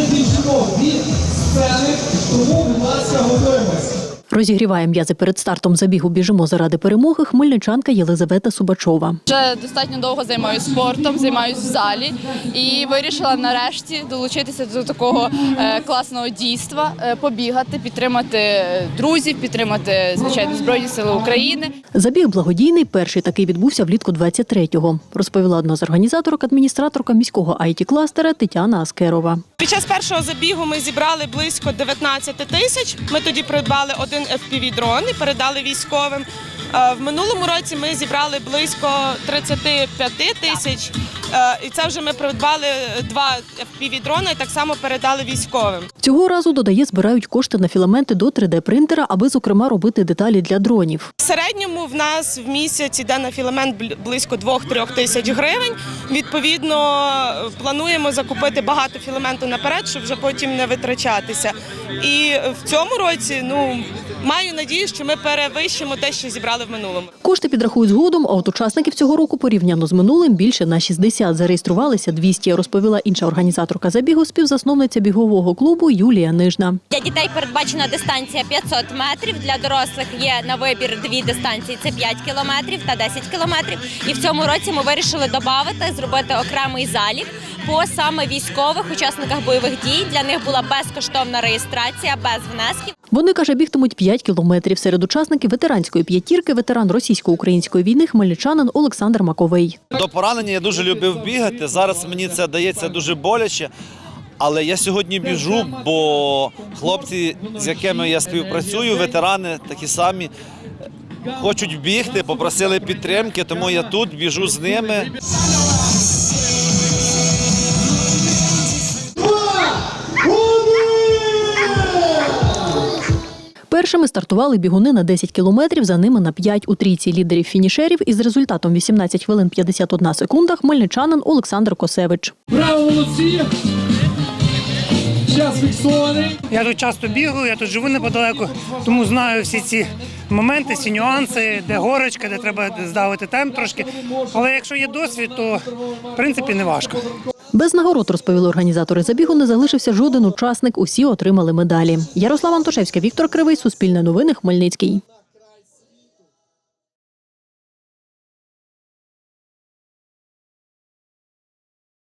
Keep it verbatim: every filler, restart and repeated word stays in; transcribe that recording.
більшого від сцени, тому, будь ласка, готуємось. Розігріває м'язи перед стартом забігу «Біжимо заради перемоги» хмельничанка Єлизавета Субачова. Вже достатньо довго займаюся спортом, займаюся в залі і вирішила нарешті долучитися до такого е, класного дійства, е, побігати, підтримати друзів, підтримати, звичайно, Збройні Сили України. Забіг благодійний, перший такий відбувся влітку двадцять третього, розповіла одна з організаторок, адміністраторка міського ай ті-кластера Тетяна Аскерова. Під час першого забігу ми зібрали близько дев'ятнадцять тисяч. Ми тоді придбали один еф пі ві-дрон і передали військовим. В минулому році ми зібрали близько тридцять п'ять тисяч. І це вже ми придбали два еф пі ві-дрона і так само передали військовим. Цього разу, додає, збирають кошти на філаменти до три де принтера, аби, зокрема, робити деталі для дронів. В середньому в нас в місяць йде на філамент близько двох-трьох тисяч гривень. Відповідно, плануємо закупити багато філаменту наперед, щоб вже потім не витрачатися. І в цьому році, ну, маю надію, що ми перевищимо те, що зібрали в минулому. Кошти підрахують згодом, а от учасників цього року порівняно з минулим більше на шістдесят. Зареєструвалися двісті, розповіла інша організаторка забігу, співзасновниця бігового клубу Юлія Нижна. Для дітей передбачена дистанція п'ятсот метрів, для дорослих є на вибір дві дистанції – це п'ять кілометрів та десять кілометрів. І в цьому році ми вирішили додати, зробити окремий залік по саме військових учасниках бойових дій. Для них була безкоштовна реєстрація, без внесків. Вони, каже, бігтимуть п'ять кілометрів. Серед учасників ветеранської п'ятірки, ветеран російсько-української війни, хмельничанин Олександр Маковий. До поранення я дуже любив бігати, зараз мені це дається дуже боляче. Але я сьогодні біжу, бо хлопці, з якими я співпрацюю, ветерани такі самі, хочуть бігти, попросили підтримки, тому я тут біжу з ними. Першими стартували бігуни на десять кілометрів, за ними на п'ять у трійці лідерів фінішерів із результатом вісімнадцять хвилин п'ятдесят одна секунда хмельничанин Олександр Косевич. Браво, молодці! Час фіксований. Я тут часто бігаю, я тут живу неподалеку, тому знаю всі ці моменти, всі нюанси, де горочка, де треба здавити темп трошки. Але якщо є досвід, то в принципі не важко. Без нагород, розповіли організатори забігу, не залишився жоден учасник, усі отримали медалі. Ярослава Антошевська, Віктор Кривий, Суспільне новини, Хмельницький.